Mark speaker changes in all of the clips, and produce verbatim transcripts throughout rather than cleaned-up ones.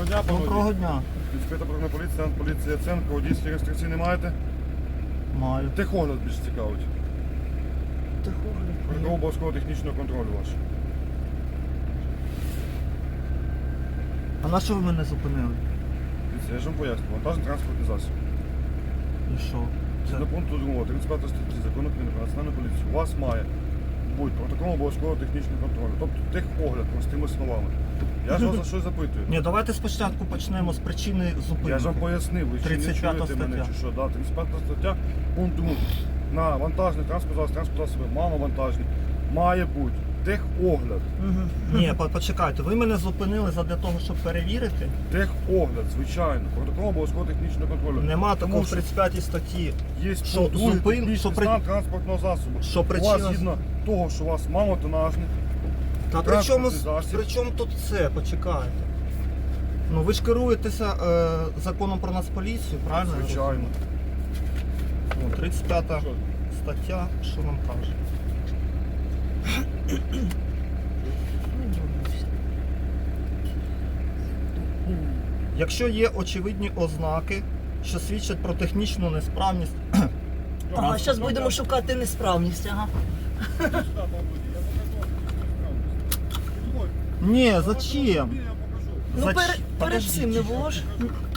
Speaker 1: дня, пане
Speaker 2: Доброго
Speaker 1: водій.
Speaker 2: дня.
Speaker 1: Відкрита патрульна поліція, поліція Ценко, водійські реєстрації не маєте?
Speaker 2: Маю.
Speaker 1: Техогляд більш цікавить.
Speaker 2: Техогляд.
Speaker 1: Протокол обов'язкового технічного контролю ваш.
Speaker 2: А на що ви мене зупинили?
Speaker 1: Дивіться, я ж вам поясню. Вантажний транспортний засіб.
Speaker 2: І що? Це...
Speaker 1: Згідно пункту другого, тридцять п'ятої статті Закону України про національну поліцію, у вас має бути протокол обов'язкового технічного контролю. Тобто техогляд, простими словами. Я ж вас за щось запитую.
Speaker 2: Ні, давайте спочатку почнемо з причини зупинки.
Speaker 1: Я ж вам пояснив, ви ще не
Speaker 2: тридцять п'ята
Speaker 1: чуєте мене
Speaker 2: стаття.
Speaker 1: чи що. Да, тридцять п'ята стаття, пункт другий. На вантажний транспорт засіб, транспорт засоби, маловантажний, має бути техогляд.
Speaker 2: Ні, по- почекайте, ви мене зупинили задля того, щоб перевірити.
Speaker 1: Техогляд, звичайно. Протокол обов'язкового технічного контролю.
Speaker 2: Нема такого
Speaker 1: Тому
Speaker 2: в
Speaker 1: що
Speaker 2: тридцять п'ятій статті.
Speaker 1: Є
Speaker 2: що
Speaker 1: пункт другий,
Speaker 2: зупин-
Speaker 1: технічний
Speaker 2: що при-
Speaker 1: стан транспортного засобу.
Speaker 2: що
Speaker 1: У вас
Speaker 2: причина-
Speaker 1: згідно того, що у вас малотонажний.
Speaker 2: Та при чому,
Speaker 1: Транспортний засіб.
Speaker 2: при чому тут це? Почекайте. Ну ви ж керуєтеся е, законом про Нацполіцію, правильно? я
Speaker 1: Звичайно.
Speaker 2: розумію? Ну, тридцять п'ята
Speaker 1: Що?
Speaker 2: стаття, що нам каже? Якщо є очевидні ознаки, що свідчать про технічну несправність,
Speaker 3: Ага, зараз будемо шукати несправність, ага.
Speaker 2: ні, зачем?
Speaker 3: Ну,
Speaker 2: Зач-
Speaker 3: перед, перед
Speaker 2: Подождіть.
Speaker 3: цим не було ж.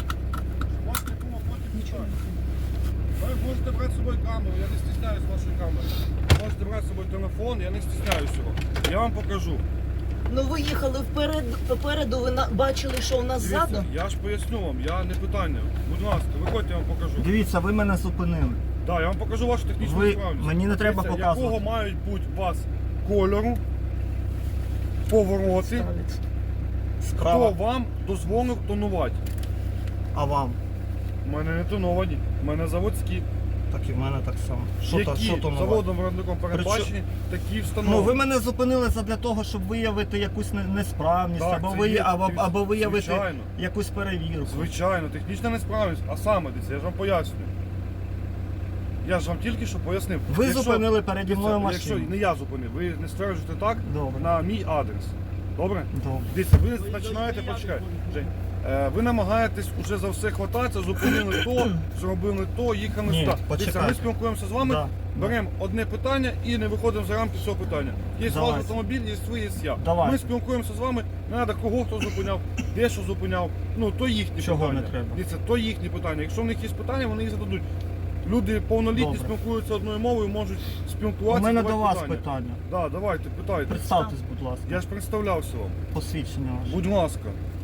Speaker 1: Ви можете брати з собою камеру, я не стісняюсь вашої камери. Можете брати з собою телефон, я не стісняюсь його. Я вам покажу.
Speaker 3: Ну ви їхали вперед, попереду, ви на- бачили, що у нас
Speaker 1: Дивіться,
Speaker 3: ззаду.
Speaker 1: я ж поясню вам, я не питання. Будь ласка, виходьте, я вам покажу.
Speaker 2: Дивіться, ви мене зупинили.
Speaker 1: Так, я вам покажу вашу технічну
Speaker 2: Ви-
Speaker 1: справність.
Speaker 2: мені не треба
Speaker 1: Дивіться,
Speaker 2: показувати.
Speaker 1: якого мають бути у вас кольору, повороти,
Speaker 3: Ставить.
Speaker 1: хто
Speaker 2: Справа,
Speaker 1: вам дозволив тонувати.
Speaker 2: а вам?
Speaker 1: У мене не тоновані, у мене заводські.
Speaker 2: Так і в мене так само. Що то,
Speaker 1: які
Speaker 2: що то нове?
Speaker 1: заводом виробником передбачені, такі встановлені.
Speaker 2: Ну, ви мене зупинили задля того, щоб виявити якусь не- несправність,
Speaker 1: Так,
Speaker 2: або,
Speaker 1: це
Speaker 2: ви,
Speaker 1: є,
Speaker 2: або,
Speaker 1: дивіться,
Speaker 2: або виявити
Speaker 1: звичайно.
Speaker 2: якусь перевірку.
Speaker 1: Звичайно, технічна несправність, а саме дивіться, я ж вам пояснюю. Я ж вам тільки що пояснив.
Speaker 2: Ви зупинили переді мною
Speaker 1: дивіться, Якщо
Speaker 2: машину.
Speaker 1: не я зупинив, ви не стверджуєте так
Speaker 2: Добре.
Speaker 1: на мій адрес. Добре?
Speaker 2: Добре.
Speaker 1: Дивіться, ви починаєте, почекай, Жень, е, ви намагаєтесь уже за все хвататися, зупинили то, зробили то, їхали
Speaker 2: Ні,
Speaker 1: сюди. Дивіться,
Speaker 2: почекайте.
Speaker 1: ми спілкуємося з вами,
Speaker 2: Да.
Speaker 1: беремо одне питання і не виходимо за рамки цього питання. Є ваш
Speaker 2: Давайте.
Speaker 1: автомобіль, є ви, є я.
Speaker 2: Давайте.
Speaker 1: Ми спілкуємося з вами, не треба кого хто зупиняв, де що зупиняв. Ну, то їхні
Speaker 2: Чого
Speaker 1: питання.
Speaker 2: не треба?
Speaker 1: Дивіться, то їхні питання. Якщо в них є питання, вони їх зададуть. Люди повнолітні
Speaker 2: Добре.
Speaker 1: спілкуються одною мовою, можуть
Speaker 2: У
Speaker 1: спілкуватися.
Speaker 2: мене
Speaker 1: задавати
Speaker 2: до вас
Speaker 1: питання.
Speaker 2: питання.
Speaker 1: Да, давайте, питайте.
Speaker 2: Представтесь, будь ласка.
Speaker 1: Я ж представлявся вам.
Speaker 2: Посвідчення ваше.
Speaker 1: Будь ласка.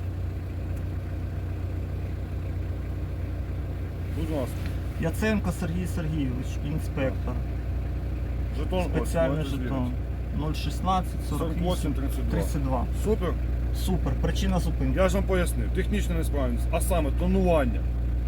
Speaker 1: Будь ласка.
Speaker 2: Яценко Сергій Сергійович, інспектор.
Speaker 1: Жетон ось,
Speaker 2: Спеціальний
Speaker 1: можете
Speaker 2: жетон. нуль шістнадцять
Speaker 1: сорок
Speaker 2: сорок
Speaker 1: вісім
Speaker 2: вісім
Speaker 1: тридцять два.
Speaker 2: тридцять два.
Speaker 1: Супер.
Speaker 2: Супер. Причина зупинки.
Speaker 1: Я ж вам пояснив. Технічна несправність, а саме тонування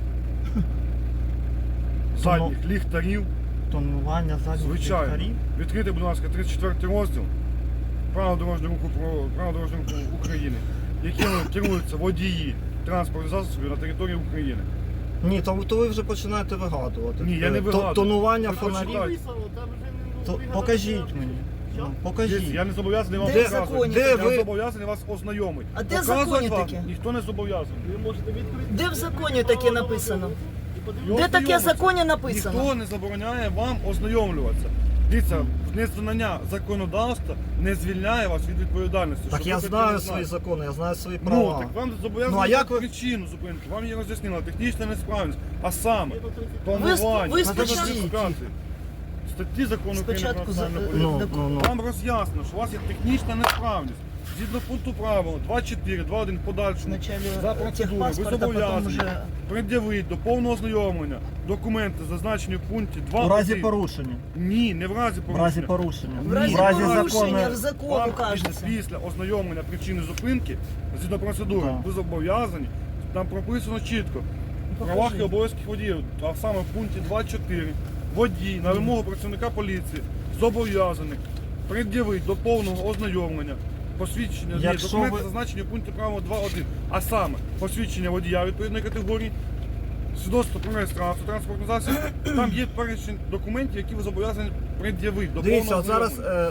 Speaker 1: задніх ліхтарів.
Speaker 2: Тонування задніх
Speaker 1: Звичайно.
Speaker 2: ліхтарів.
Speaker 1: Відкрийте, будь ласка, тридцять четвертий розділ Правил дорожнього руху про правил дорожнього руху України, якими керуються водії транспортних засобів на території України.
Speaker 2: Ні, то, то ви вже починаєте вигадувати.
Speaker 1: Ні, я не
Speaker 2: Е, то-
Speaker 1: вигадую.
Speaker 2: Тонування
Speaker 1: Ви
Speaker 2: фонарів.
Speaker 1: почитайте.
Speaker 2: То, покажіть мені. Ну, покажіть.
Speaker 1: Дивіться, я не зобов'язаний вам
Speaker 3: Де
Speaker 1: показувати.
Speaker 3: законі
Speaker 2: Де
Speaker 1: Я
Speaker 2: ви-
Speaker 1: зобов'язаний вас ознайомити.
Speaker 3: А де
Speaker 1: Показувати
Speaker 3: законі
Speaker 1: вам
Speaker 3: таке?
Speaker 1: ніхто не зобов'язаний.
Speaker 3: Де в законі таке написано?
Speaker 1: І
Speaker 3: Де таке в
Speaker 1: ознайомитися.
Speaker 3: законі написано?
Speaker 1: Ніхто не забороняє вам ознайомлюватися. Дивіться, незнання законодавства не звільняє вас від відповідальності.
Speaker 2: Так
Speaker 1: Щоб
Speaker 2: я
Speaker 1: ви це
Speaker 2: знаю
Speaker 1: не
Speaker 2: свої
Speaker 1: знали.
Speaker 2: закони, я знаю свої
Speaker 1: Ну,
Speaker 2: права.
Speaker 1: так вам зобов'язані
Speaker 2: Ну, а як ви-
Speaker 1: причину зупинки. Вам її роз'яснила технічна несправність. А саме,
Speaker 3: Ви-
Speaker 1: тонування,
Speaker 3: ви
Speaker 2: спочатку-
Speaker 1: статті закону України про
Speaker 3: Спочатку за-
Speaker 1: національну
Speaker 3: е,
Speaker 1: поліцію.
Speaker 2: Ну, ну, ну.
Speaker 1: Вам роз'яснено, що у вас є технічна несправність. Згідно пункту правил два чотири, два один в подальшому
Speaker 3: Вначале
Speaker 1: за процедурою ви
Speaker 3: техпаспорт, а потім
Speaker 1: зобов'язані
Speaker 3: вже-
Speaker 1: пред'явити до повного ознайомлення документи, зазначені в пункті два.
Speaker 2: У разі порушення.
Speaker 1: Ні, не в разі
Speaker 2: В
Speaker 1: порушення.
Speaker 2: разі порушення.
Speaker 3: В разі
Speaker 1: Ні,
Speaker 3: порушення
Speaker 2: законне-
Speaker 3: в закону
Speaker 1: Вам
Speaker 3: кажеться.
Speaker 1: після ознайомлення причини зупинки, згідно процедури,
Speaker 2: Так.
Speaker 1: ви зобов'язані, там прописано чітко. В
Speaker 3: Покажи.
Speaker 1: правах і обов'язків водіїв, а саме в пункті два чотири, водій на вимогу працівника поліції зобов'язаний пред'явити до повного ознайомлення посвідчення, ні,
Speaker 2: Якщо
Speaker 1: документи
Speaker 2: ви-
Speaker 1: зазначені в пункті правил два один, а саме посвідчення водія відповідної категорії, свідоцтво про реєстрацію транспортного засобу, там є перечень документів, які ви зобов'язані пред'явити до
Speaker 2: Дивіться,
Speaker 1: повного
Speaker 2: от зараз
Speaker 1: ознайомлення.
Speaker 2: е,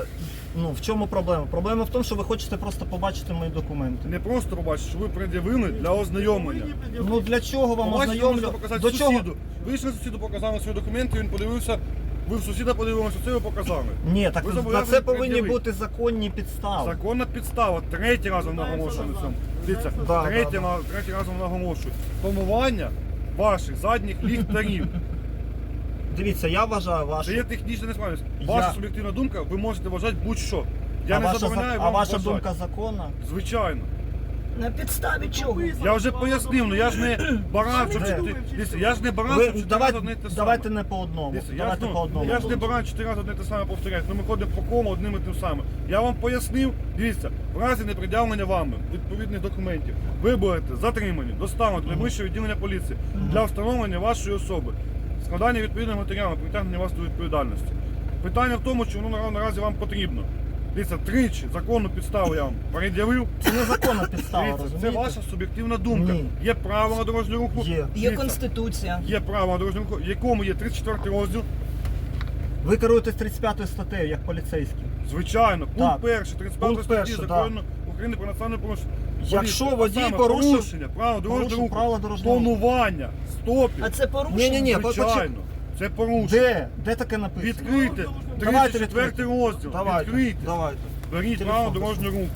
Speaker 2: Ну, в чому проблема? Проблема в тому, що ви хочете просто побачити мої документи.
Speaker 1: Не просто побачити, що ви пред'явили для ознайомлення.
Speaker 2: Ну для чого вам
Speaker 1: Побачите, ви можете
Speaker 2: ознайомлю?
Speaker 1: показати
Speaker 2: До чого?
Speaker 1: сусіду. Ви йшли сусіду, показали свої документи, він подивився, ви в сусіда подивилися, це ви показали.
Speaker 2: Ні, так
Speaker 1: Ви
Speaker 2: на
Speaker 1: зобов'язані
Speaker 2: це повинні
Speaker 1: пред'явити.
Speaker 2: бути законні підстави.
Speaker 1: Законна підстава, третій раз вам наголошую на цьому. Дивіться,
Speaker 2: Да,
Speaker 1: третій,
Speaker 2: да, да.
Speaker 1: на- третій раз вам наголошую. Тонування ваших задніх ліхтарів.
Speaker 2: Дивіться, я вважаю
Speaker 1: Це
Speaker 2: вашу.
Speaker 1: є технічна несправність. Ваша
Speaker 2: Я-
Speaker 1: суб'єктивна думка, ви можете вважати будь-що. Я
Speaker 2: а
Speaker 1: не
Speaker 2: ваша,
Speaker 1: забороняю
Speaker 2: за- а
Speaker 1: вам
Speaker 2: ваша
Speaker 1: вважати.
Speaker 2: думка законна?
Speaker 1: Звичайно.
Speaker 3: На підставі чого?
Speaker 1: Я вже пояснив, ну я ж не баран, щоб
Speaker 2: Де?
Speaker 1: чотири. Дивіться, я ж не баран,
Speaker 2: Ви,
Speaker 1: щоб чотири
Speaker 2: давайте,
Speaker 1: рази одне й те саме.
Speaker 2: давайте не по одному.
Speaker 1: Дивіться, я, ж,
Speaker 2: давайте
Speaker 1: ну,
Speaker 2: по одному.
Speaker 1: я ж не баран чотири рази одне й те саме повторяю. Ну ми ходимо по кому одним і тим самим. Я вам пояснив, дивіться, в разі непред'явлення вами відповідних документів ви будете затримані, доставлені до найближчого відділення поліції для встановлення вашої особи, складання відповідних матеріалів, притягнення вас до відповідальності. Питання в тому, чи воно на- наразі вам потрібно. Дивіться, тричі законну підставу я вам пред'явив.
Speaker 2: Це незаконна підстава,
Speaker 1: Дивіться, це
Speaker 2: розумієте?
Speaker 1: ваша суб'єктивна думка.
Speaker 2: Ні.
Speaker 1: Є право на дорожнього руху.
Speaker 2: Є.
Speaker 3: Є
Speaker 1: Дивіться,
Speaker 3: конституція.
Speaker 1: Є право на дорожнього руху, в якому є тридцять четвертий розділ.
Speaker 2: Ви керуєтесь тридцять п'ятою статтею, як поліцейський.
Speaker 1: Звичайно, пункт
Speaker 2: Так.
Speaker 1: перший, тридцять п'ятої
Speaker 2: Пункт
Speaker 1: статті
Speaker 2: перший,
Speaker 1: закону України про національне порушення.
Speaker 2: Якщо
Speaker 1: Поліція,
Speaker 2: водій
Speaker 1: а саме
Speaker 2: порушив-
Speaker 1: порушення правил дорожнього
Speaker 2: порушив
Speaker 1: руху,
Speaker 2: правила дорожнього руху.
Speaker 1: тонування, стопів,
Speaker 3: А це порушення?
Speaker 2: Ні-ні-ні.
Speaker 1: звичайно, це порушення.
Speaker 2: Де? Де таке написано?
Speaker 1: Відкрийте
Speaker 2: Давайте
Speaker 1: тридцять четвертий розділ,
Speaker 2: Давайте,
Speaker 1: відкрийте,
Speaker 2: давайте.
Speaker 1: беріть
Speaker 2: Телефон
Speaker 1: право дорожнього руху.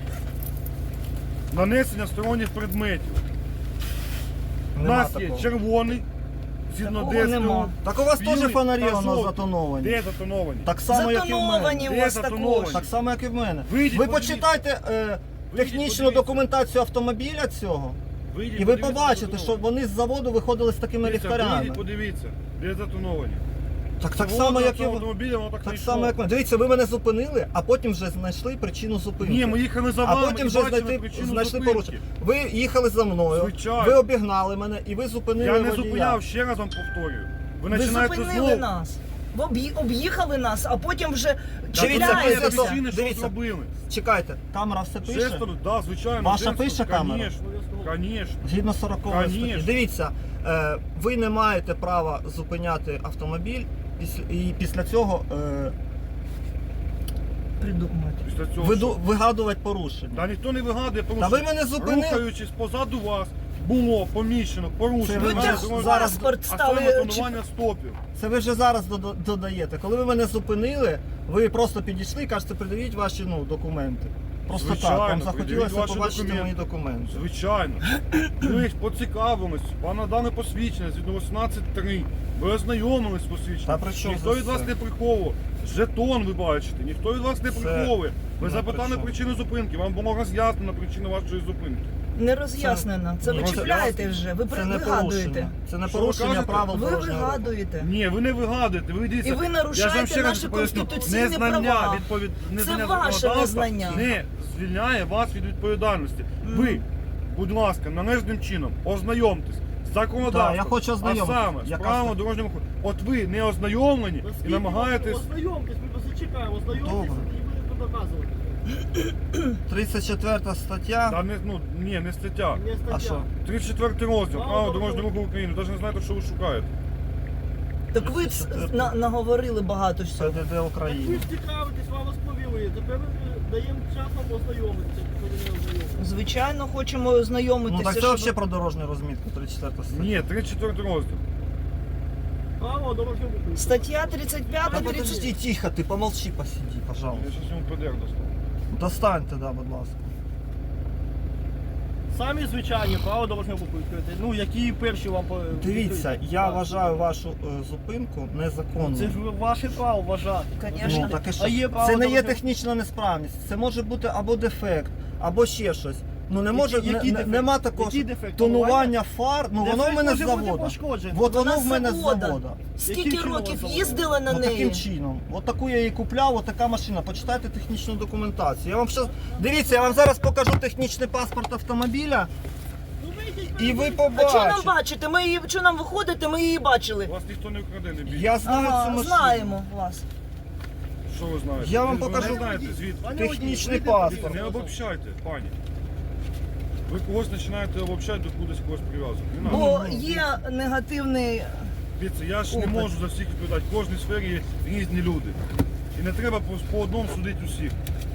Speaker 1: Нанесення сторонніх предметів. У
Speaker 2: Нема
Speaker 1: нас є
Speaker 2: такого.
Speaker 1: червоний, згідно
Speaker 3: Такого
Speaker 1: ДСТУ.
Speaker 3: нема.
Speaker 2: Так у вас
Speaker 1: білий
Speaker 2: теж фонарі
Speaker 1: та
Speaker 2: у нас
Speaker 1: жовтий.
Speaker 2: затоновані.
Speaker 1: Де затоновані?
Speaker 2: Так само, як і в мене.
Speaker 3: Затоновані у
Speaker 1: Де
Speaker 3: вас
Speaker 1: затоновані?
Speaker 3: також.
Speaker 2: Так само, як і в мене.
Speaker 1: Вийдіть,
Speaker 2: Ви
Speaker 1: подивіться.
Speaker 2: почитайте е, технічну
Speaker 1: подивіться.
Speaker 2: документацію автомобіля цього,
Speaker 1: Вийдіть,
Speaker 2: і ви
Speaker 1: подивіться,
Speaker 2: побачите,
Speaker 1: де
Speaker 2: що
Speaker 1: затоновані.
Speaker 2: вони з заводу виходили з такими
Speaker 1: Дивіться,
Speaker 2: ліхтарями.
Speaker 1: вийдіть, подивіться, де затоновані.
Speaker 2: Так, так
Speaker 1: Заводу
Speaker 2: само,
Speaker 1: на
Speaker 2: як і
Speaker 1: цьому
Speaker 2: ви.
Speaker 1: автомобілі, воно так, не
Speaker 2: Так
Speaker 1: йшло.
Speaker 2: само, як ми. Дивіться, ви мене зупинили, а потім вже знайшли причину зупинки.
Speaker 1: Ні, ми їхали за
Speaker 2: а
Speaker 1: вами
Speaker 2: потім
Speaker 1: і
Speaker 2: вже
Speaker 1: бачили
Speaker 2: знайти,
Speaker 1: причину
Speaker 2: знайшли
Speaker 1: зупинки.
Speaker 2: порушення. Ви їхали за мною,
Speaker 1: Звичайно.
Speaker 2: ви обігнали мене і ви зупинили
Speaker 1: Я не
Speaker 2: водія.
Speaker 1: зупиняв, ще раз вам повторюю. Ви
Speaker 3: Ви
Speaker 1: починаєте
Speaker 3: зупинили
Speaker 1: знову.
Speaker 3: нас. Ви об'ї- об'їхали нас, а потім вже
Speaker 2: Дивіться,
Speaker 3: чіпляєтеся.
Speaker 2: дивіться,
Speaker 1: причини, що
Speaker 2: дивіться.
Speaker 1: зробили.
Speaker 2: Чекайте, камера все пише?
Speaker 1: Жестом, да, звичайно.
Speaker 2: Ваша
Speaker 1: жестом,
Speaker 2: пише камера?
Speaker 1: Конечно, конечно.
Speaker 2: Згідно сорокової
Speaker 1: Конечно.
Speaker 2: статті. Дивіться, е, ви не маєте права зупиняти автомобіль після, і після цього е,
Speaker 3: Придумати.
Speaker 1: Після цього
Speaker 2: виду,
Speaker 1: що?
Speaker 2: вигадувати порушення.
Speaker 1: Та ніхто не вигадує, тому
Speaker 2: Та
Speaker 1: що
Speaker 2: ви мене зупинили.
Speaker 1: рухаючись позаду вас, було поміщено порушення.
Speaker 2: Це ви
Speaker 3: Ви
Speaker 2: мене
Speaker 3: теж
Speaker 1: дорожнього
Speaker 2: зараз-
Speaker 1: руху,
Speaker 3: паспорт
Speaker 1: а
Speaker 3: стали.
Speaker 1: саме тонування стопів.
Speaker 2: Це ви вже зараз дода- додаєте. Коли ви мене зупинили, ви просто підійшли і кажете, придивіть ваші ну, документи. Просто
Speaker 1: Звичайно,
Speaker 2: так, вам
Speaker 1: придивіть
Speaker 2: захотілося
Speaker 1: ваші
Speaker 2: побачити
Speaker 1: документи.
Speaker 2: мої документи.
Speaker 1: Звичайно. Ми ж поцікавились, вам надали посвідчення згідно вісімнадцять три. Ви ознайомились з
Speaker 2: Та
Speaker 1: посвідченням.
Speaker 2: при чому
Speaker 1: Ніхто
Speaker 2: це
Speaker 1: від вас
Speaker 2: все?
Speaker 1: не приховував. Жетон ви бачите, ніхто від вас не
Speaker 2: Це
Speaker 1: приховує. Ви
Speaker 2: не
Speaker 1: запитали
Speaker 2: при чому.
Speaker 1: причину зупинки, вам було роз'яснено причину вашої зупинки.
Speaker 3: Не роз'яснено. Це ви
Speaker 2: Ні, це-
Speaker 3: чіпляєте вже, ви
Speaker 2: Це не
Speaker 3: вигадуєте.
Speaker 2: порушення. Це не
Speaker 1: Що ви
Speaker 2: порушення
Speaker 1: кажете?
Speaker 2: правил
Speaker 3: Ви
Speaker 2: дорожнього руху.
Speaker 3: вигадуєте.
Speaker 1: Ні, ви не вигадуєте, ви дивіться.
Speaker 3: І ви
Speaker 1: я ж вам
Speaker 3: нарушаєте
Speaker 1: ще раз
Speaker 3: наші
Speaker 1: поясню.
Speaker 3: конституційні
Speaker 1: Незнання
Speaker 3: права.
Speaker 1: відповід...
Speaker 3: Це
Speaker 1: незнання
Speaker 3: ваше
Speaker 1: законодавства
Speaker 3: незнання.
Speaker 1: не звільняє вас від відповідальності. Ви, будь ласка, належним чином ознайомтесь з законодавством,
Speaker 2: Так, я хочу
Speaker 1: а
Speaker 2: ознайомитись.
Speaker 1: саме з
Speaker 2: Яка
Speaker 1: правилами
Speaker 2: ста-
Speaker 1: дорожнього руху. От ви не ознайомлені і намагаєтесь.
Speaker 4: Ознайомтесь, ми вас зачекаємо, ознайомтесь
Speaker 2: Добре.
Speaker 4: і будете доказувати.
Speaker 2: тридцять четверта стаття.
Speaker 1: Та не, ну, ні, не стаття.
Speaker 4: Не стаття.
Speaker 2: А що?
Speaker 1: тридцять четвертий розділ,
Speaker 4: Право
Speaker 1: право
Speaker 4: дорожнього
Speaker 1: дорожнього руху України. Навіть не знаєте, що ви шукаєте.
Speaker 3: Так ви ц- на- наговорили багато всього.
Speaker 2: ПДД
Speaker 4: Так ви
Speaker 2: України.
Speaker 4: ж цікавитесь, вам розповіли. Тепер ми даємо час вам ознайомитися, коли не ознайомитися.
Speaker 3: Звичайно, хочемо ознайомитися.
Speaker 2: Ну так це
Speaker 3: щоб-
Speaker 2: взагалі про дорожню розмітку, тридцять четверта стаття.
Speaker 1: Ні, тридцять четвертий розділ.
Speaker 4: Право дорожнього руху.
Speaker 3: Стаття тридцять п'ять,
Speaker 2: Та
Speaker 3: тридцять
Speaker 2: подожди, тихо, ти помолчи, посиди,
Speaker 1: Я
Speaker 2: пожалуйста.
Speaker 1: зараз йому ПДР достану.
Speaker 2: Достаньте, да, будь ласка.
Speaker 4: Самі звичайні право дорожнього руху відкрити. Ну, які перші вам по-
Speaker 2: Дивіться,
Speaker 4: відкриті.
Speaker 2: я
Speaker 4: Так.
Speaker 2: вважаю вашу е, зупинку незаконною.
Speaker 4: Це ж ваше право вважати.
Speaker 3: Конечно.
Speaker 2: Ну, так і що?
Speaker 4: А є право
Speaker 2: Це не є
Speaker 4: дорожнього-
Speaker 2: технічна несправність, це може бути або дефект, або ще щось. Ну не може,
Speaker 4: Які- які
Speaker 2: не-
Speaker 4: дефекти?
Speaker 2: нема такого
Speaker 4: Які
Speaker 2: що
Speaker 4: дефекти?
Speaker 2: тонування фар, ну воно в
Speaker 4: Дефект
Speaker 2: мене з
Speaker 4: може бути
Speaker 2: завода.
Speaker 4: пошкоджений.
Speaker 2: От воно
Speaker 3: Вона
Speaker 2: в мене з
Speaker 3: завода.
Speaker 2: завода.
Speaker 3: Скільки
Speaker 4: Яким чином
Speaker 3: років
Speaker 4: вона
Speaker 3: їздили на
Speaker 2: Ну,
Speaker 3: неї?
Speaker 2: таким чином. От таку я її купляв, от така машина. Почитайте технічну документацію. Я вам щас... Дивіться, я вам зараз покажу технічний паспорт автомобіля,
Speaker 4: Ну, вийдіть,
Speaker 2: і ви
Speaker 4: перейдіть.
Speaker 3: А що нам
Speaker 2: побачите.
Speaker 3: бачите? Ми її, що нам виходити, ми її бачили.
Speaker 1: Вас ніхто не вкраде, не бійте.
Speaker 2: Я знаю цю
Speaker 3: Ага,
Speaker 2: машину.
Speaker 3: знаємо вас.
Speaker 1: Що ви знаєте?
Speaker 2: Я вам
Speaker 1: Ви
Speaker 2: покажу
Speaker 1: не знаєте звідки.
Speaker 4: Пане
Speaker 2: технічний
Speaker 4: водій,
Speaker 2: паспорт.
Speaker 4: вийдіть,
Speaker 1: Не обобщайте, пані. Ви когось починаєте обобщати, до кудись когось прив'язувати. Не надо.
Speaker 3: Бо є негативний.
Speaker 1: Дивіться, я ж не
Speaker 3: Опит.
Speaker 1: можу за всіх відповідати. В кожній сфері є різні люди. І не треба по, по одному судити усіх.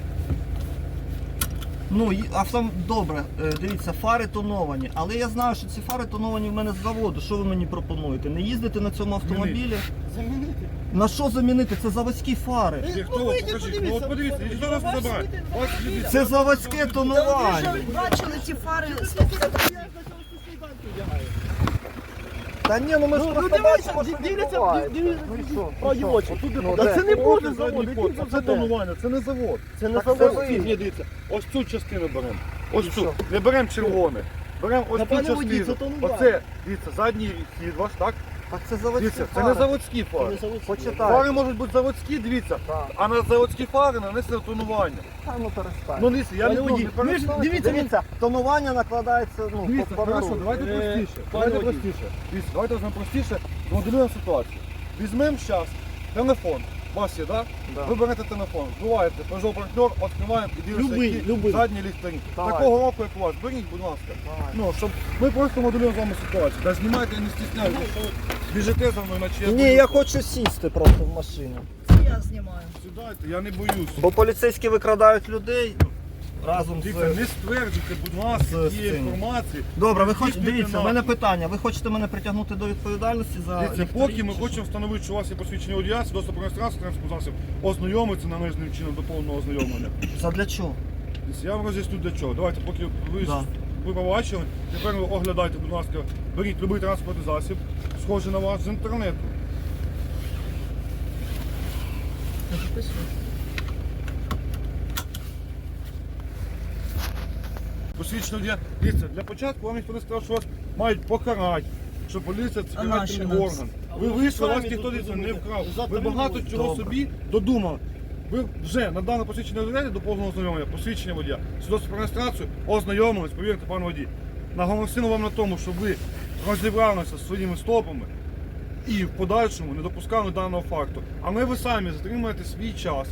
Speaker 2: Ну, і- авто... добре, е, дивіться, фари тоновані, але я знаю, що ці фари тоновані в мене з заводу. Що ви мені пропонуєте? Не їздити на цьому автомобілі?
Speaker 4: Замінити.
Speaker 2: На що замінити? Це заводські фари.
Speaker 1: Де хто?
Speaker 4: Ну, вийдіть,
Speaker 1: Покажіть.
Speaker 4: подивіться.
Speaker 1: Ну от подивіться, і хто нас
Speaker 4: Ваші
Speaker 1: забирає?
Speaker 4: люди,
Speaker 1: Ось
Speaker 4: ваші
Speaker 1: дивіться.
Speaker 2: Це заводське
Speaker 3: Та ви
Speaker 2: тонування.
Speaker 3: вже бачили ці фари.
Speaker 4: Я спеціально сніданки вдягаю.
Speaker 2: Та ні, ну ми ж
Speaker 4: Ну,
Speaker 2: просто
Speaker 4: дивіться,
Speaker 2: бачимо, що
Speaker 4: дивіться,
Speaker 2: відбувається.
Speaker 4: дивіться,
Speaker 2: Ну і що?
Speaker 4: Про
Speaker 2: Ну що?
Speaker 4: очі.
Speaker 2: Отут
Speaker 1: Ну,
Speaker 2: де?
Speaker 1: де?
Speaker 4: це не
Speaker 1: От
Speaker 4: може
Speaker 1: задній
Speaker 4: завод,
Speaker 1: ход.
Speaker 4: який
Speaker 1: Це
Speaker 4: завод?
Speaker 1: тонування, це не завод.
Speaker 4: Це не
Speaker 2: Так
Speaker 4: завод.
Speaker 2: це
Speaker 1: Ось
Speaker 2: ви.
Speaker 1: ці, ні, дивіться, ось цю частину беремо. Ось
Speaker 2: І
Speaker 1: цю.
Speaker 2: що?
Speaker 1: Не беремо червоне. Беремо ось
Speaker 4: Та,
Speaker 1: цю
Speaker 4: пане водій,
Speaker 1: частину.
Speaker 4: це тонування.
Speaker 1: Оце, дивіться, задній хід ваш, так?
Speaker 2: Так це заводські
Speaker 1: Дивіться, це
Speaker 2: фари.
Speaker 1: не заводські
Speaker 4: Це не
Speaker 1: фари.
Speaker 4: завод.
Speaker 2: Почитай.
Speaker 1: Фари можуть бути заводські, дивіться,
Speaker 2: Так.
Speaker 1: а на заводські фари нанесено тонування.
Speaker 2: Та ну перестань.
Speaker 1: Ну дивіться, я не
Speaker 4: Пане
Speaker 1: буду,
Speaker 4: водій,
Speaker 1: не
Speaker 4: ми ж-
Speaker 1: перестань.
Speaker 4: дивіться,
Speaker 2: Дивіться, тонування накладається, ну,
Speaker 1: Дивіться,
Speaker 2: по
Speaker 1: хорошо,
Speaker 2: пару.
Speaker 1: давайте
Speaker 4: Е,
Speaker 1: простіше.
Speaker 4: пане
Speaker 1: Давайте
Speaker 4: водій.
Speaker 1: простіше. Дивіться, давайте візьмемо простіше, змоделюємо ситуацію. Візьмемо зараз телефон. У вас є, так?
Speaker 2: Да.
Speaker 1: Ви берете телефон, вбиваєте Peugeot партнер, відкриваємо і дивимося,
Speaker 4: Любий,
Speaker 1: які
Speaker 4: любий.
Speaker 1: задні ліхтарі.
Speaker 2: Давай.
Speaker 1: Такого року, як у вас, беріть, будь ласка.
Speaker 2: Давай.
Speaker 1: Ну, щоб ми просто моделюємо з вами ситуацію. Та знімайте і не стісняйтеся, що ви біжите за мною, наче я
Speaker 2: Ні,
Speaker 1: боюсь.
Speaker 2: я хочу сісти просто в машину.
Speaker 3: Це я знімаю.
Speaker 1: Сідайте, я не боюсь.
Speaker 2: Бо поліцейські викрадають людей разом
Speaker 1: Дивіться,
Speaker 2: з...
Speaker 1: не стверджуйте, будь ласка,
Speaker 2: з
Speaker 1: цієї
Speaker 2: цим.
Speaker 1: інформації.
Speaker 2: Добре, ви
Speaker 1: Не
Speaker 2: хочете,
Speaker 1: здійснюйте
Speaker 2: дивіться, в мене
Speaker 1: напад.
Speaker 2: питання. Ви хочете мене притягнути до відповідальності за
Speaker 1: Дивіться,
Speaker 2: ліхтарі
Speaker 1: поки ми
Speaker 2: чи
Speaker 1: хочемо встановити, що у вас є посвідчення водія, доступ до реєстрації транспортного засобу, ознайомитися належним чином до повного ознайомлення.
Speaker 2: що? Задля чого?
Speaker 1: Дивіться, я вам роз'ясню для чого. Давайте, поки ви,
Speaker 2: Да.
Speaker 1: ви побачили, тепер ви оглядайте, будь ласка, беріть будь-який транспортний засіб, схожий на вас з інтернету.
Speaker 3: Я записую.
Speaker 1: Посвідчення водія. Дивіться, для початку вам ніхто не сказав, що вас мають покарати, що поліція це
Speaker 3: А нащо
Speaker 1: карательний
Speaker 3: нас?
Speaker 1: орган.
Speaker 4: А
Speaker 1: Ви
Speaker 4: ви
Speaker 1: вийшли, вас
Speaker 4: самі
Speaker 1: ніхто
Speaker 4: тут
Speaker 1: дивіться, не
Speaker 4: думаєте,
Speaker 1: вкрав.
Speaker 4: завтра
Speaker 1: Ви
Speaker 4: не
Speaker 1: багато
Speaker 4: буде.
Speaker 1: чого
Speaker 2: Добре.
Speaker 1: собі додумали. Ви вже надали посвідчення водія до повного ознайомлення, посвідчення водія, свідоцтво про реєстрацію, ознайомились, повірте, пан водій. Наголосили вам на тому, щоб ви розібралися зі своїми стопами і в подальшому не допускали даного факту. Але ви самі затримаєте свій час,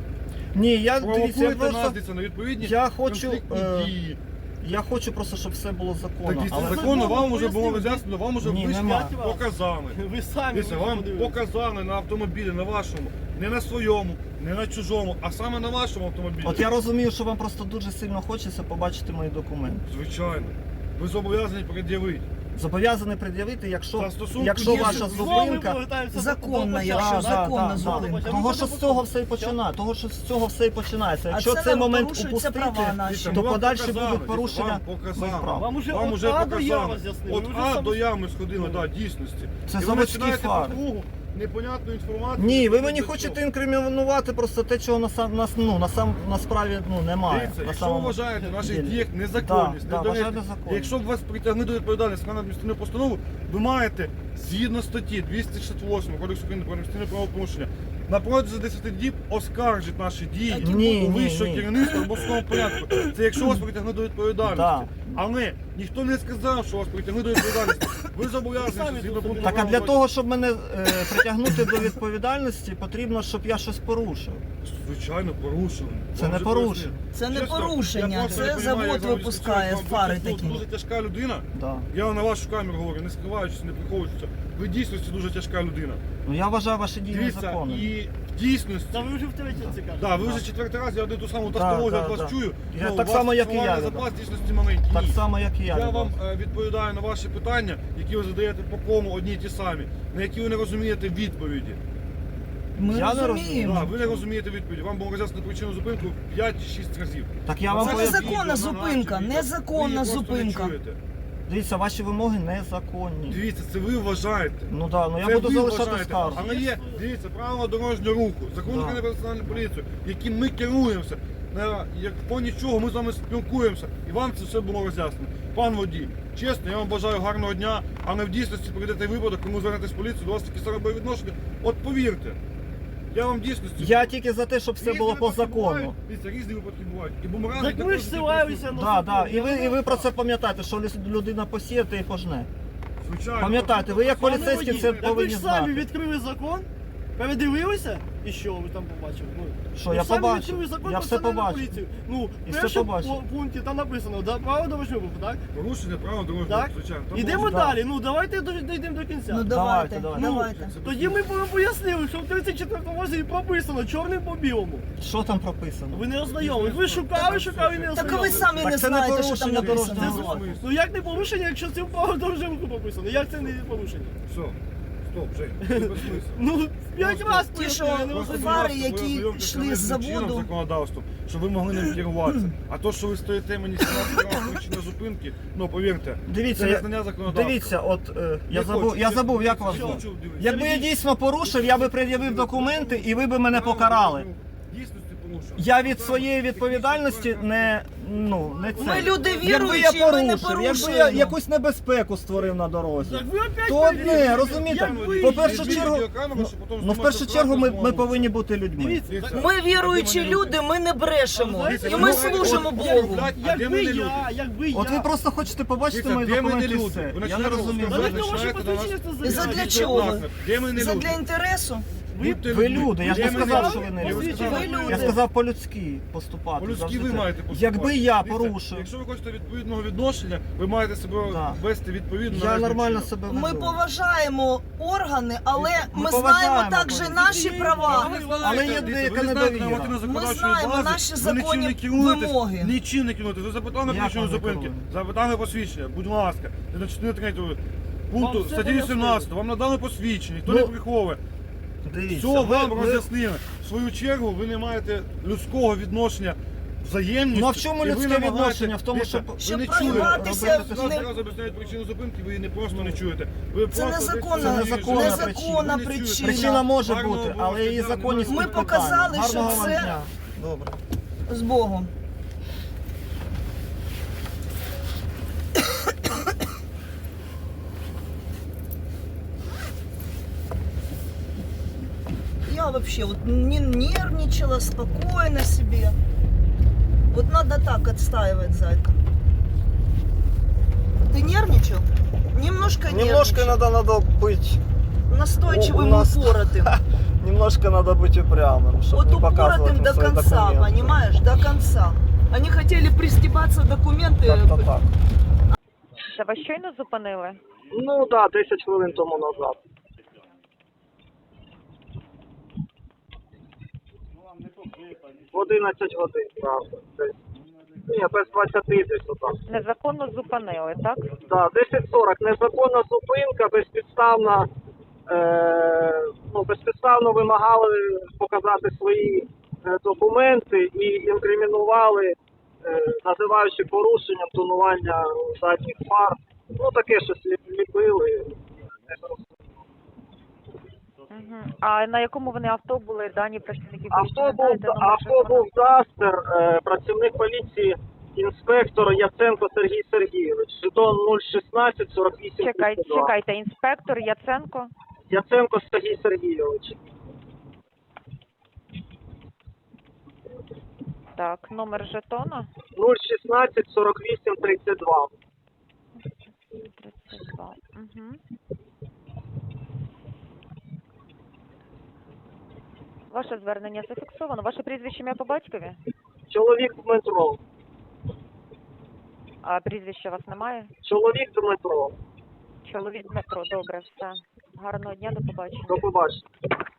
Speaker 2: Ні, я дивіться, я
Speaker 1: провокуєте нас
Speaker 2: просто...
Speaker 1: дивіться, на відповідні
Speaker 2: Я хочу,
Speaker 1: конфліктні
Speaker 2: е,
Speaker 1: дії.
Speaker 2: Я хочу просто, щоб все було
Speaker 1: Так
Speaker 2: законно.
Speaker 1: дивіться,
Speaker 2: Але...
Speaker 1: законно
Speaker 4: законно
Speaker 1: вам вже було
Speaker 4: пояснили.
Speaker 1: роз'яснено, вам вже
Speaker 2: Ні,
Speaker 1: вийшли,
Speaker 2: нема.
Speaker 1: показали.
Speaker 4: Ви самі
Speaker 1: Дивіться,
Speaker 4: ви
Speaker 1: вам
Speaker 4: подивилися.
Speaker 1: показали на автомобілі, на вашому, не на своєму, не на чужому, а саме на вашому автомобілі.
Speaker 2: От я розумію, що вам просто дуже сильно хочеться побачити мої документи.
Speaker 1: Звичайно. Ви зобов'язані пред'явити.
Speaker 2: Зобов'язаний пред'явити, якщо,
Speaker 1: Та стосунку
Speaker 2: якщо
Speaker 1: є,
Speaker 2: ваша
Speaker 1: що
Speaker 4: Знову ми
Speaker 2: зупинка...
Speaker 4: повертаємося
Speaker 3: Законна,
Speaker 4: до- до
Speaker 3: якщо
Speaker 4: початку.
Speaker 3: законна зупинка.
Speaker 2: Того, що з цього все і починає, того, що з цього все і починається.
Speaker 3: А
Speaker 2: Якщо
Speaker 3: це
Speaker 2: цей
Speaker 3: нам
Speaker 2: момент
Speaker 3: порушуються
Speaker 2: упустити,
Speaker 3: права наші.
Speaker 1: Дивіться,
Speaker 2: то
Speaker 1: ми вам
Speaker 2: подальші
Speaker 1: показали,
Speaker 2: будуть
Speaker 1: дивіться,
Speaker 2: порушення
Speaker 1: вам показали.
Speaker 2: моїх прав.
Speaker 4: Вам уже
Speaker 1: Вам
Speaker 4: от
Speaker 1: уже
Speaker 4: А до Я
Speaker 1: показали.
Speaker 4: роз'яснили.
Speaker 1: От
Speaker 4: Ви вже
Speaker 1: А
Speaker 4: сам-
Speaker 1: до Я ми сходили,
Speaker 4: Ну.
Speaker 1: так, дійсності.
Speaker 2: Це
Speaker 1: І ви
Speaker 2: заводські
Speaker 1: починаєте
Speaker 2: фари.
Speaker 1: по кругу непонятну інформацію.
Speaker 2: Ні, ви
Speaker 1: не
Speaker 2: мені
Speaker 1: до
Speaker 2: хочете
Speaker 1: чого.
Speaker 2: інкримінувати просто те, чого на сам на, ну, на сам на справі ну немає.
Speaker 1: Дивіться,
Speaker 2: на
Speaker 1: якщо ви
Speaker 2: самому
Speaker 1: вважаєте в наших
Speaker 2: ділі.
Speaker 1: діях незаконність,
Speaker 2: Да, да,
Speaker 1: недоречність,
Speaker 2: вважаю незаконністю.
Speaker 1: якщо б вас притягли до відповідальності на адміністративну постанову, ви маєте згідно статті двісті шістдесят восьм Кодексу України про адміністративне правопорушення на протязі десяти діб оскаржити наші дії
Speaker 2: Ні,
Speaker 1: у
Speaker 2: ні,
Speaker 1: вищого
Speaker 2: ні.
Speaker 1: керівництва в обласному порядку. Це якщо вас притягли до відповідальності.
Speaker 2: Да.
Speaker 1: Але ніхто не сказав, що вас притягли до відповідальності. Ви зобов'язані
Speaker 4: Ви самі
Speaker 1: згідно
Speaker 4: тут
Speaker 1: пункту
Speaker 2: Так а
Speaker 1: правил
Speaker 2: для
Speaker 1: бачите.
Speaker 2: того, щоб мене е, притягнути до відповідальності, потрібно, щоб я щось порушив.
Speaker 1: Звичайно, порушили.
Speaker 2: Це
Speaker 1: Вам
Speaker 2: не
Speaker 1: вже
Speaker 2: порушення.
Speaker 1: пояснили.
Speaker 3: Це не
Speaker 1: Чесно, я
Speaker 3: порушення,
Speaker 1: просто не
Speaker 3: це
Speaker 1: розумію,
Speaker 3: завод
Speaker 1: як вам
Speaker 3: випускає
Speaker 1: вам
Speaker 3: фари
Speaker 1: дуже-
Speaker 3: такі.
Speaker 1: Дуже тяжка людина.
Speaker 2: Да.
Speaker 1: Я вам на вашу камеру говорю, не скриваючись, не приховуючись. Ви дійсно дуже тяжка людина.
Speaker 2: Ну я вважаю ваші дії
Speaker 1: Дивіться,
Speaker 2: незаконними.
Speaker 1: і в дійсності.
Speaker 4: Та ви вже втретє це кажете.
Speaker 1: Да, ви
Speaker 2: Да.
Speaker 1: вже четвертий раз, я один ту саму
Speaker 2: Да,
Speaker 1: тавтологію
Speaker 2: да,
Speaker 1: від вас
Speaker 2: да.
Speaker 1: чую.
Speaker 2: Я
Speaker 1: Ну,
Speaker 2: так
Speaker 1: у вас
Speaker 2: само, як і я,
Speaker 1: словарний
Speaker 2: Люда.
Speaker 1: запас дійсності маленький.
Speaker 2: Так
Speaker 1: Ні.
Speaker 2: само, як і я.
Speaker 1: Я
Speaker 2: від
Speaker 1: вам
Speaker 2: вас.
Speaker 1: е, відповідаю на ваші питання, які ви задаєте по кому одні й ті самі, на які ви не розумієте відповіді.
Speaker 3: Ми
Speaker 2: Я не
Speaker 1: Да,
Speaker 3: розуміємо.
Speaker 1: ви не розумієте відповіді. Вам було роз'яснено причину зупинку п'ять чи шість разів.
Speaker 2: Так я
Speaker 1: Це
Speaker 2: вам
Speaker 3: Це
Speaker 2: поясню.
Speaker 3: незаконна
Speaker 1: відео,
Speaker 3: зупинка,
Speaker 1: на наші відео.
Speaker 3: незаконна
Speaker 1: Ви її просто
Speaker 3: зупинка.
Speaker 1: не чуєте.
Speaker 2: Дивіться, ваші вимоги незаконні.
Speaker 1: Дивіться, це ви вважаєте.
Speaker 2: Ну да, ну я
Speaker 1: Це
Speaker 2: буду
Speaker 1: ви
Speaker 2: залишати
Speaker 1: вважаєте.
Speaker 2: скаргу.
Speaker 1: Але є, дивіться, правила дорожнього руху, закон
Speaker 2: Да.
Speaker 1: України про національну поліцію, яким ми керуємося. На як по нічого ми з вами спілкуємося, і вам це все було роз'яснено. Пан водій, чесно, я вам бажаю гарного дня, а не в дійсності прийдете випадок, коли звернетесь в поліцію, до вас такі самі відношення. От повірте, я вам в дійсності.
Speaker 2: Я тільки за те, щоб все
Speaker 1: Різні
Speaker 2: було по
Speaker 1: випадки
Speaker 2: закону.
Speaker 1: бувають. Дивіться, різні випадки бувають. І бумеранги
Speaker 4: Так ви
Speaker 1: також
Speaker 4: ж
Speaker 1: такі
Speaker 4: силаєтеся
Speaker 1: присутні.
Speaker 4: на
Speaker 2: Да, да. І ви, і ви про це пам'ятаєте, що ліс- людина посіє, і пожне.
Speaker 1: Звичайно.
Speaker 2: Пам'ятайте, ви як
Speaker 1: Пане
Speaker 2: поліцейські
Speaker 1: водій,
Speaker 2: це
Speaker 4: Так ви
Speaker 2: повинні
Speaker 4: ж самі
Speaker 2: знати.
Speaker 4: відкрили закон, передивилися І що ви там побачили? Ну,
Speaker 2: Що,
Speaker 4: ви
Speaker 2: я
Speaker 4: самі
Speaker 2: побачив.
Speaker 4: відкрили закон
Speaker 2: Я
Speaker 4: про
Speaker 2: все
Speaker 4: національну
Speaker 2: побачив.
Speaker 4: поліцію. Ну,
Speaker 2: І
Speaker 4: в
Speaker 2: все
Speaker 4: першому
Speaker 2: побачив.
Speaker 4: пу- пункті там написано, да, право дорожнього руху, так?
Speaker 1: Порушення права дорожнього
Speaker 4: Так?
Speaker 1: руху, звичайно. Там
Speaker 4: Ідемо
Speaker 1: порушення-
Speaker 4: далі, ну давайте до- дійдемо до кінця.
Speaker 3: Ну
Speaker 2: Давайте,
Speaker 3: давайте,
Speaker 2: давайте.
Speaker 3: давайте.
Speaker 1: Це
Speaker 4: Тоді ми вам пояснили, що в тридцять четвертому розділі прописано чорним по білому.
Speaker 2: Що там прописано?
Speaker 4: Ви не ознайомились. Ви шукали, шукали і не
Speaker 3: Так а ви
Speaker 4: ознайомились.
Speaker 3: самі
Speaker 2: Так
Speaker 3: не
Speaker 2: це не
Speaker 3: знаєте, що там
Speaker 2: порушення
Speaker 3: написано.
Speaker 2: дорожнього
Speaker 4: Це
Speaker 2: руху.
Speaker 4: з- Ну як не порушення, якщо це в право дорожнього руху прописано? Як це не порушення?
Speaker 1: Все, стоп, Жень, це безсмислено.
Speaker 4: Ну, п'ять разів
Speaker 3: Ті, що
Speaker 4: пояснили, я не
Speaker 3: Просто
Speaker 4: розумію.
Speaker 3: фари,
Speaker 1: будь ласка,
Speaker 3: які
Speaker 1: ви ознайомтеся
Speaker 3: йшли з
Speaker 1: з чинним
Speaker 3: заводу.
Speaker 1: законодавством, щоб ви могли ним керуватися. А то, що ви стоїте мені сімнадцять причини зупинки, ну повірте,
Speaker 2: Дивіться,
Speaker 1: це
Speaker 2: я-
Speaker 1: незнання законодавства.
Speaker 2: Дивіться, от е, я
Speaker 1: Не
Speaker 2: забув,
Speaker 1: хочу,
Speaker 2: я
Speaker 1: не
Speaker 2: забув,
Speaker 1: хочу,
Speaker 2: як вас
Speaker 1: не
Speaker 2: звуть.
Speaker 1: хочу, дивіться.
Speaker 2: Якби я дійсно порушив, я би пред'явив документи і ви б мене покарали.
Speaker 1: Дійсності порушив.
Speaker 2: Я від своєї відповідальності не, ну, не це.
Speaker 3: Ми люди
Speaker 2: Якби я
Speaker 3: віруючі, ми не
Speaker 2: порушив, якби я
Speaker 3: порушуємо.
Speaker 2: якусь небезпеку створив на дорозі.
Speaker 4: Так ви опять
Speaker 2: То
Speaker 4: перевірили.
Speaker 2: одне, розумієте,
Speaker 4: Як ви-
Speaker 2: по першу
Speaker 1: Візьміть
Speaker 2: чергу,
Speaker 1: відеокамеру, щоб потім
Speaker 2: ну в
Speaker 1: знімати
Speaker 2: першу
Speaker 1: справу,
Speaker 2: чергу ми, ми
Speaker 1: знову.
Speaker 2: повинні бути людьми.
Speaker 4: Дивіться,
Speaker 1: Дивіться,
Speaker 3: Ми
Speaker 1: а де
Speaker 3: віруючі
Speaker 1: мене
Speaker 3: люди, ми не брешемо.
Speaker 4: Знаєте,
Speaker 3: І
Speaker 4: ви
Speaker 3: ми
Speaker 4: говорите,
Speaker 3: служимо
Speaker 1: от,
Speaker 3: Богу.
Speaker 1: блядь, а де
Speaker 4: Якби
Speaker 1: ми не люди?
Speaker 4: я, якби я.
Speaker 2: От ви просто хочете побачити
Speaker 1: Дивіться,
Speaker 2: мої
Speaker 1: де ми не
Speaker 2: документи і
Speaker 1: люди?
Speaker 2: все.
Speaker 1: Ви
Speaker 2: Я не
Speaker 1: починаєте
Speaker 2: розумію.
Speaker 4: Та
Speaker 1: розказувати,
Speaker 4: ви
Speaker 2: взагалі.
Speaker 4: ваші
Speaker 1: залишаєте на нас-
Speaker 4: посвідчення це
Speaker 3: І задля
Speaker 4: заявляєте.
Speaker 3: чого?
Speaker 1: Де ми не
Speaker 3: Це
Speaker 1: люди?
Speaker 3: для інтересу.
Speaker 4: Ви-
Speaker 1: Будьте
Speaker 2: Ви
Speaker 1: людьми.
Speaker 2: люди, я ж
Speaker 1: Де
Speaker 2: не
Speaker 1: ми
Speaker 2: сказав,
Speaker 1: люди?
Speaker 2: що ви не
Speaker 1: Я
Speaker 2: люди.
Speaker 1: сказав,
Speaker 3: Ви люди.
Speaker 2: Я сказав по-людськи поступати.
Speaker 1: По-людськи
Speaker 2: завжди
Speaker 1: ви
Speaker 2: так.
Speaker 1: маєте поступати.
Speaker 2: Якби я
Speaker 1: Дивіться,
Speaker 2: порушив,
Speaker 1: Якщо ви хочете відповідного відношення, ви маєте себе
Speaker 2: Да.
Speaker 1: вести відповідно.
Speaker 2: я
Speaker 1: належним
Speaker 2: нормально
Speaker 1: чином.
Speaker 2: себе
Speaker 3: Ми
Speaker 2: веду.
Speaker 3: поважаємо органи, але
Speaker 2: Ми
Speaker 3: ми
Speaker 2: поважаємо
Speaker 3: знаємо також
Speaker 2: поліцію.
Speaker 3: наші права.
Speaker 1: Ви не знаєте,
Speaker 2: Але є
Speaker 1: дивіться,
Speaker 2: деяка
Speaker 1: ви не знаєте
Speaker 2: недовіра.
Speaker 1: нормативно законодавчої
Speaker 3: Ми знаємо
Speaker 1: бази,
Speaker 3: наші
Speaker 1: ви нічим
Speaker 3: законні
Speaker 1: не керуєтесь,
Speaker 3: вимоги.
Speaker 1: Нічим не керуєтесь. Ви запитали
Speaker 2: Як
Speaker 1: причину
Speaker 2: вам не
Speaker 1: зупинки,
Speaker 2: керуємо?
Speaker 1: запитали посвідчення, будь ласка, на частини третього пункту
Speaker 4: Вам все
Speaker 1: статті
Speaker 4: пояснили.
Speaker 1: вісімнадцять, вам надали посвідчення, ніхто
Speaker 2: Ну,
Speaker 1: не приховує.
Speaker 2: Дивіться,
Speaker 1: Все
Speaker 2: ви-
Speaker 1: вам
Speaker 2: ви-
Speaker 1: роз'яснили. В свою чергу ви не маєте людського відношення, взаємності.
Speaker 2: Ну а в чому
Speaker 1: і ви
Speaker 2: людське
Speaker 1: намагаєтесь-
Speaker 2: відношення? В тому,
Speaker 1: Дивіться,
Speaker 2: щоб-
Speaker 1: ви
Speaker 3: Щоб
Speaker 1: не чуєте.
Speaker 3: проїбатися
Speaker 2: робити
Speaker 3: в
Speaker 2: те,
Speaker 3: не-
Speaker 1: Зараз об'ясняють причину зупинки, ви її не просто не чуєте. Ви
Speaker 3: Це
Speaker 1: просто
Speaker 3: незаконна-
Speaker 2: Це незаконна
Speaker 1: десь-
Speaker 3: незаконна
Speaker 1: Ви не чуєте.
Speaker 3: причина.
Speaker 2: Причина може
Speaker 1: Гарного
Speaker 2: бути,
Speaker 1: Бога,
Speaker 2: але її
Speaker 1: да,
Speaker 2: законність
Speaker 1: немає.
Speaker 2: під
Speaker 3: Ми
Speaker 2: питанням.
Speaker 3: показали, що
Speaker 2: Гарного вам
Speaker 3: це-
Speaker 2: дня. Добре.
Speaker 3: З Богом. Я вообще вот не нервничала, спокойно себе. Вот надо так отстаивать, зайка. Ты нервничал? Немножко,
Speaker 2: Немножко
Speaker 3: нервничал.
Speaker 2: надо, надо быть,
Speaker 3: Настойчивым
Speaker 2: у нас-
Speaker 3: и упоротым.
Speaker 2: немножко надо быть упрямым, чтобы
Speaker 3: Вот
Speaker 2: не показывать
Speaker 3: упоротым
Speaker 2: им
Speaker 3: до
Speaker 2: свои
Speaker 3: конца,
Speaker 2: документы.
Speaker 3: понимаешь? До конца. Они хотели пристебаться документы.
Speaker 2: Как-то так.
Speaker 5: Це вас щойно зупинили?
Speaker 2: Ну так, да, десять хвилин тому назад. В одинадцять годин, правда. Десь. Ні, без двадцяти десь отак.
Speaker 5: Незаконно зупинили, так?
Speaker 2: Да, десять сорок. Незаконна зупинка, безпідставна, е, ну, безпідставно вимагали показати свої е, документи і інкримінували, е, називаючи порушенням тонування задніх фар. Ну, таке щось лі- ліпили.
Speaker 5: Угу. А на якому вони авто були дані працівників?
Speaker 2: Авто був, авто був Дастер, е, працівник поліції, інспектор Яценко Сергій Сергійович. Жетон нуль шістнадцять сорок вісім
Speaker 5: Чекайте,
Speaker 2: тридцять два.
Speaker 5: чекайте, інспектор Яценко.
Speaker 2: Яценко Сергій Сергійович.
Speaker 5: Так, номер жетона
Speaker 2: нуль шістнадцять сорок вісім тридцять два.
Speaker 5: тридцять два. Угу. Ваше звернення зафіксовано. Ваше прізвище, ім'я по батькові?
Speaker 2: Чоловік Дмитро.
Speaker 5: А прізвища у вас немає?
Speaker 2: Чоловік Дмитро.
Speaker 5: Чоловік Дмитро, добре, все. Гарного дня, до побачення.
Speaker 2: До побачення.